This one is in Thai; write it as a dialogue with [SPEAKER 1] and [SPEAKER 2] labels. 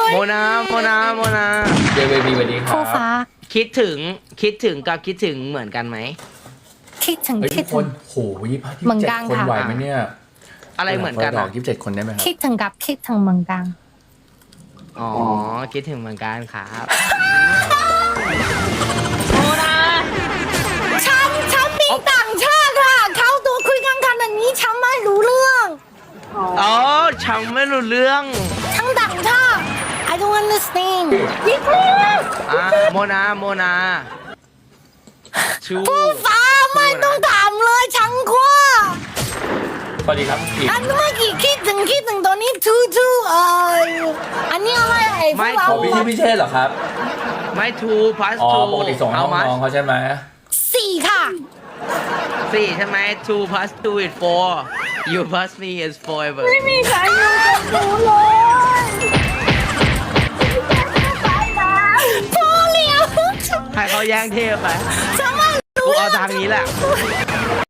[SPEAKER 1] โมนา
[SPEAKER 2] เจเวบีสวัสดีครั
[SPEAKER 3] คู่
[SPEAKER 2] บ
[SPEAKER 3] ฟ้า
[SPEAKER 1] คิดถึงกับคิดถึงเหมือนกันไหม
[SPEAKER 3] คิดถึง
[SPEAKER 2] เฮ้ย
[SPEAKER 3] คิ
[SPEAKER 2] ทุ
[SPEAKER 3] ด
[SPEAKER 2] กค
[SPEAKER 3] ถึ
[SPEAKER 2] น
[SPEAKER 3] ง
[SPEAKER 2] โห27
[SPEAKER 3] เหมือนกัน
[SPEAKER 2] คน
[SPEAKER 3] ค่ะ
[SPEAKER 2] ไหวไหมเนี่ย
[SPEAKER 1] อะไรเหมือนกัน
[SPEAKER 2] ดอ
[SPEAKER 1] อ่ะ
[SPEAKER 2] ก27 คนได้ไหมครับ
[SPEAKER 3] คิดถึงกับคิดถึงเหมือนกัน
[SPEAKER 1] อ๋อคิดถึงเหมือนกันครับ
[SPEAKER 3] ฉันมีต่างชาติค่ะเขาตัวคุยกันขนาดนี้ฉันไม่รู้เรื่อง
[SPEAKER 1] อ๋อฉันไม่รู้เรื่อง
[SPEAKER 3] ทั้งต่างชาติ I don't understand
[SPEAKER 1] โมนาชู
[SPEAKER 3] คู่ฟ้าไม่ต้องถามเลยฉันกลัว
[SPEAKER 2] สวัสดีครับพี่
[SPEAKER 3] อันเมื่อกี้คิดถึงตัวนี้ทูอันนี้อะไรไอ้พวกเรา
[SPEAKER 2] ขอพี่ชื่อพี่เชษเหรอครับ
[SPEAKER 1] ไม่ทูพัส
[SPEAKER 2] อ๋อ
[SPEAKER 1] ทู
[SPEAKER 2] ปกติส่งให้น้องๆเขาใช่ไหม
[SPEAKER 3] 4ค่ะ
[SPEAKER 1] สี่ใช่ไหม two plus two is four you plus me is forever
[SPEAKER 3] ไม่มีใครอยู่กับหนูเลยพอแล้ว
[SPEAKER 1] ให้เขาแย่งเทพไป
[SPEAKER 3] ฉันไม่
[SPEAKER 1] กู
[SPEAKER 3] รู้
[SPEAKER 1] เอาทางนี้แหละ